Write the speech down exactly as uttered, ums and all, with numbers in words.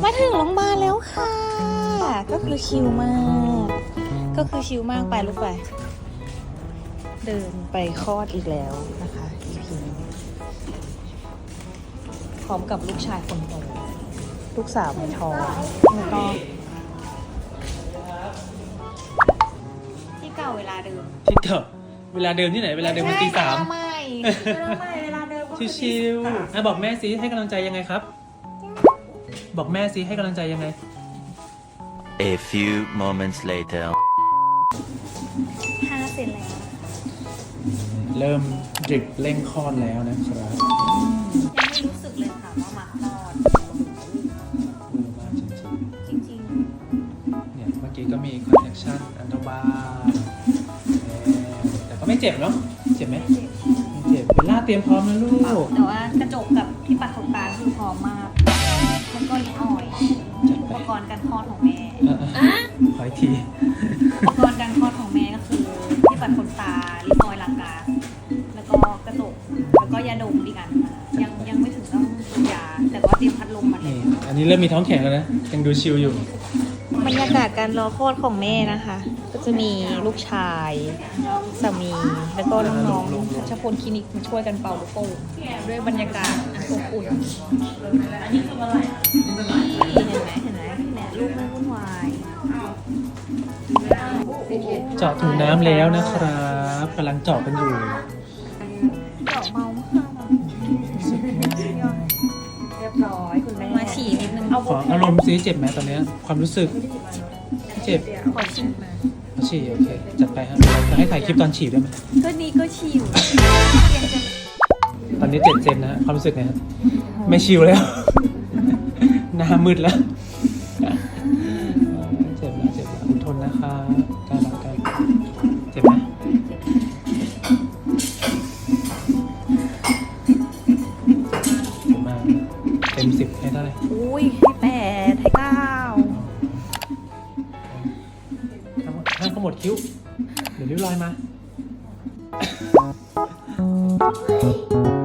มาถึงโรงพยาบาลแล้วค่ะ ก็คือชิลมาก ก็คือชิลมากไปลูกไปเดินไปคลอดอีกแล้วนะคะ อี พี นี้พร้อมกับลูกชายคนโตลูกสาวในท้องแล้วก็ที่เก่าเวลาเดิมที่เก่าเวลาเดิมที่ไหนเวลาเดิมมันตีสามใช่เวลาใหม่เวลาเดิมชิวๆอ่ะบอกแม่สิให้กำลังใจยังไงครับ บอกแม่สิให้กำลังใจยังไง A few moments later. ห้าเซนแล้วเริ่มดริปเร่งคลอดแล้วนะครับยังไม่รู้สึกเลยค่ะว่ามาคลอดเริ่มมาจริงจริงๆเนี่ยเมื่อกี้ก็มีคอนเนคชั่นอันตบาแต่ก็ไม่เจ็บเนาะเจ็บไหมๆไม่เจ็บไม่เจ็บเบลล่าเตรียมพร้อมนะลูกแต่ว่ากระจกกับที่ปัดขนตาคือพร้อมมากแล้วก็ลิ้นอ่อยจัดอุไปปกรณ์การคลอดของแม่อ่ะๆขออีกทีอุปกรณ์การคลอดของแม่ก็คือที่ปัดขนตาลิ้นอ่อยหลังกาแล้วก็กระจกแล้วก็ยาดมอีกอันค่ะยังยังไม่ถึงต้องกินยา แต่ว่าเตรียมพัดลมมาแล้นี่วอันนี้เริ่มมีท้องแข็งแล้วนะยังดูชิลอยู่บรรยากาศการรอคลอดของแม่นะคะ ก็จะมีลูกชายสามี แล้วก็น้องๆชัชพลคลินิกมาช่วยกันเป่าลูกโป่งด้วยบรรยากาศอันอบอุ่นอันนี้คืออะไรเห็นไหมเห็นไหมเนี่ยลูกไม่วุ่นวายเจาะถุงน้ำแล้วนะครับกำลังเจาะกันอยู่เจาะเมามากเรียบร้อยคุณแม่มาฉี่นิดนึงเอาขออารมณ์ซิเจ็บไหมตอนเนี้ยความรู้สึกเจ็บขอฉี่มาเอาฉี่โอเคจัดไปครับจะให้ถ่ายคลิปตอนฉี่ด้วยไหมก็นี้ก็ฉี่อยู่เตียงจะตอนนี้เจ็ดเซนนะฮะความรู้สึกไงฮะไม่ชิวแล้ว หน้ามืดแล้วเจ็บแล้วเจ็บแล้วคุณทนนะคะการรักกันเจ็บไหมเจ็บมากเต็มสิบให้เท่าไหร่อุ้ยให้แปดให้เก้าห้ามขมวดคิ้ว เดี๋ยวริ้วรอยมา